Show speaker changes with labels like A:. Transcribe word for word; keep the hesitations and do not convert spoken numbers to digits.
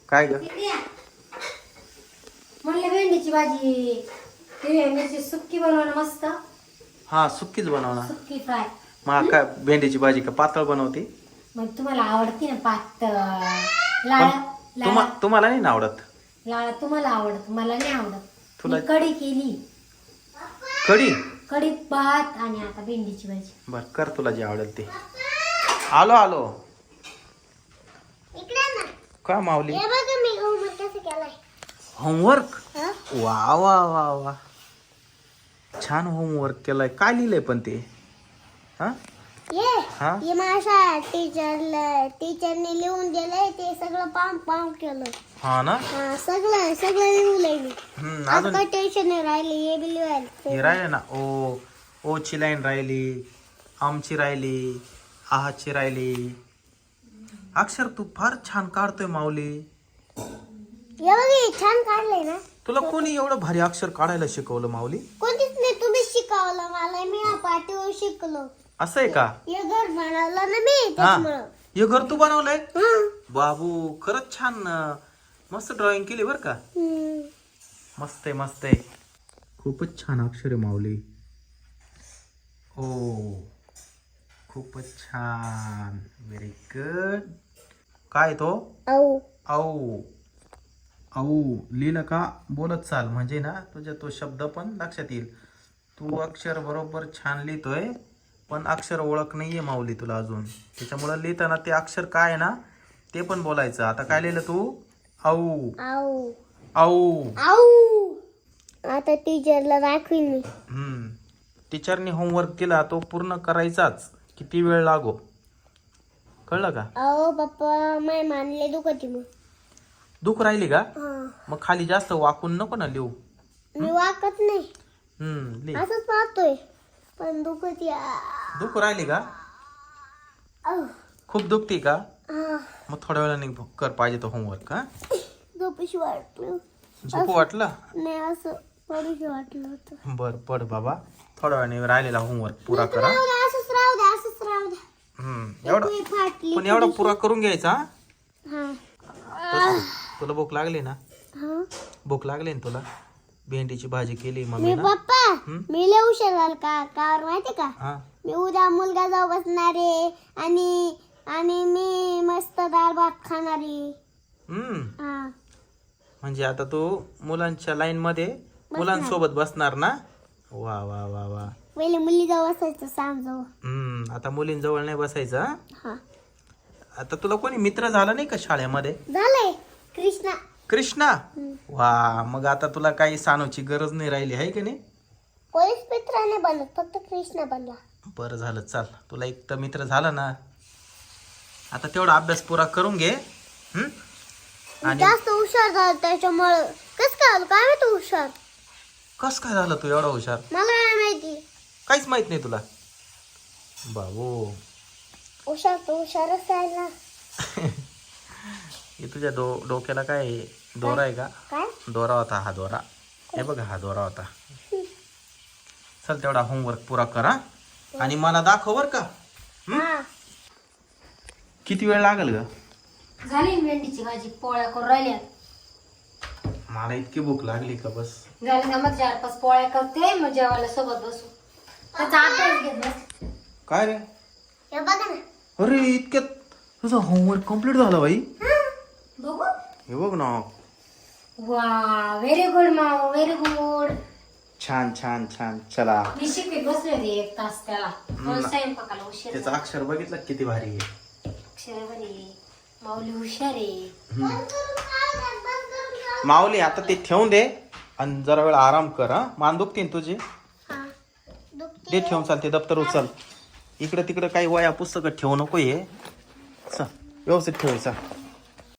A: काय ग?
B: म्हणले भेंडीची भाजी हिरव्या मिरची सुक्की बनवणं मस्त.
A: हा सुक्कीच बनवणार.
B: सुक्की फ्राय.
A: मग काय भेंडीची भाजी का पातळ बनवते?
B: मग तुम्हाला आवडते ना पातळ लाळा
A: तुम्हा
B: लाळा
A: तुम्हाला नाही ना आवडत?
B: लाळा तुम्हाला आवडत, मला नाही आवडत.
A: तुला-
B: मी कढी केली.
A: कढी?
B: कढी भात आणि आता भेंडीची भाजी.
A: बर कर तुला जे आवडेल ते. आलो आलो. काय माऊली? होमवर्क? वा वा वा वा छान होमवर्क केलाय. काय लिहिलंय पण ते? हा
C: ये
A: हा
C: ये माझ्या टीचरला टीचरने लिहून दिलंय ते सगळं पाम पाम केलं.
A: हा ना.
C: हा सगळं सगळं लिहलंय मी.
A: हम्म
C: आज
A: अजून
C: काय टेन्शन नाही राहिले. हे बी लिहायला
A: हे राहिले ना. ओ ओ ची लाईन राहिली, आमची राहिली, आहाची राहिली. अक्षर तू फार छान काढतोय माऊली.
C: हे बघ हे छान काढलंय ना.
A: तुला कोणी एवढं भारी अक्षर काढायला शिकवलं माऊली?
C: कोणतीच नाही, तुम्ही शिकवलं मला. मी या पाठीवर शिकलो.
A: असं आहे का?
C: हे घर बनवलं ना मी
A: हा
C: त्याच्यामुळं.
A: हे घर तू बनवलंय?
C: हं.
A: बाबू खरंच छान अं, मस्त ड्रॉइंग केली बर का.
C: हं.
A: मस्त आहे मस्त आहे. खूपच छान अक्षर आहे माऊली. ओ खूपच छान. Very good. काय तो?
C: औ
A: औ औ लिहिलं का बोलत चाल, म्हणजे ना तुझ्या तो शब्द पण लक्षात येईल. तू अक्षर बरोबर छान लिहितोय, पण अक्षर ओळख नाहीये माऊली तुला अजून. त्याच्यामुळं लिहिताना ते अक्षर काय आहे ना ते पण बोलायचं. आता काय लिहिलं तू? औ
C: औ
A: औ
C: औ आता टीचरला दाखवीन मी.
A: हम्म टीचरने होमवर्क केला तो पूर्ण करायचाच, किती वेळ लागो. कळलं का?
C: अहो पप्पा माय मानले दुखती मग.
A: दुख राहिली का?
C: हा.
A: मग खाली जास्त वाकून नको ना लिहू.
C: मी वाकत नाही,
A: हम्म लिह.
C: असंच पाहतोय पण दुखती.
A: दुख राहिली का? खूप दुखती का? मग थोड्या वेळाने कर पाहिजे तो होमवर्क. हा
C: झोपेशी वाटलं.
A: झोपू वाटलं?
C: नाही असं पडूशी वाटलं होतं.
A: बर पड बाबा. थोड्या वेळाने राहिलेला होमवर्क पुरा करा.
C: राहू द्या, असंच राहू द्या, असंच राहू द्या.
A: हम्म एवढा
C: ती फाटली.
A: पण एवढा पुरा करून घ्यायचा.
C: हा
A: तसं. तुला भूक लागली ना?
C: हा.
A: भूक लागली ना तुला? भेंडीची भाजी केली
C: मी
A: मम्मी ना.
C: पप्पा
A: हं?
C: मी लय हुशार झालं का कावर माहिती का?
A: हा
C: मी उद्या मुलगा जाऊ बसणार आहे आणि आणि मी मस्त डाळ भात खाणार आहे.
A: हम्म
C: हा.
A: म्हणजे आता तू मुलांच्या लाईन मध्ये मुलांसोबत बसणार ना? वा वा वा वा.
C: पहिले मुली जाऊ बसायचं सांग जाऊ.
A: हम्म आता मुलींजवळ नाही बसायचं. हा?
C: हा
A: आता तुला कोणी मित्र झाला नाही का शाळेमध्ये?
C: झालंय कृष्णा.
A: कृष्णा? वा मग आता तुला काही सांगूची गरज नाही राहिली आहे की नाही?
C: कोणीच मित्र नाही बनत, फक्त कृष्णा बनला.
A: बरं झालं. चाल तुला एक तर मित्र झाला ना. आता तेवढा अभ्यास पुरा करून घे. हम्म आणि
C: जास्त हुशार झालं त्याच्यामुळं. कस काय आलं काय माहिती हुशार?
A: कस काय झालं तू एवढा हुशार?
C: मला नाही माहिती.
A: काहीच माहित नाही तुला? बाबू
C: हुशार तो हुशारच आहे ना.
A: हे तुझ्या डो डोक्याला काय आहे? दोरा आहे का?
C: काय
A: दोरा होता हा दोरा. हे बघ हा दोरा होता. चल तेवढा होमवर्क पुरा करा आणि मला दाखव बर का.
C: हा.
A: किती वेळ लागेल ग?
B: झाली ना भेंडीची भाजी. पोळ्या करून राहिल्या.
A: मला इतकी भूक लागली का बस.
B: झाली का मग चार पाच पोळ्या करते मग जेवायला सोबत बसू. त्याचा अभ्यास घेत बस.
A: काय रे?
C: हे बघा ना.
A: अरे इतक्यात तुझा होमवर्क कम्प्लीट झाला बाई.
B: बघू.
A: हे बघ ना.
B: वा व्हेरी गुड माऊ, व्हेरी गुड.
A: छान छान छान. चला
B: मी शिकवीत बसले होते एक तास त्याला. रोज स्वयंपाकाला उशीर
A: त्याचं
B: झाला.
A: अक्षर बघितलं किती भारी आहे.
B: अक्षर बरी माऊली हुशार आहे.
A: माऊली आता ते ठेवून दे आणि जरा वेळ आराम कर. हा मान दुखतीन तुझी.
C: हा. दुखते.
A: दे ठेवून. चाल ते दप्तर उचल. इकडे तिकडे काही वया पुस्तकं ठेवू नको. ये चल व्यवस्थित ठेवायचा.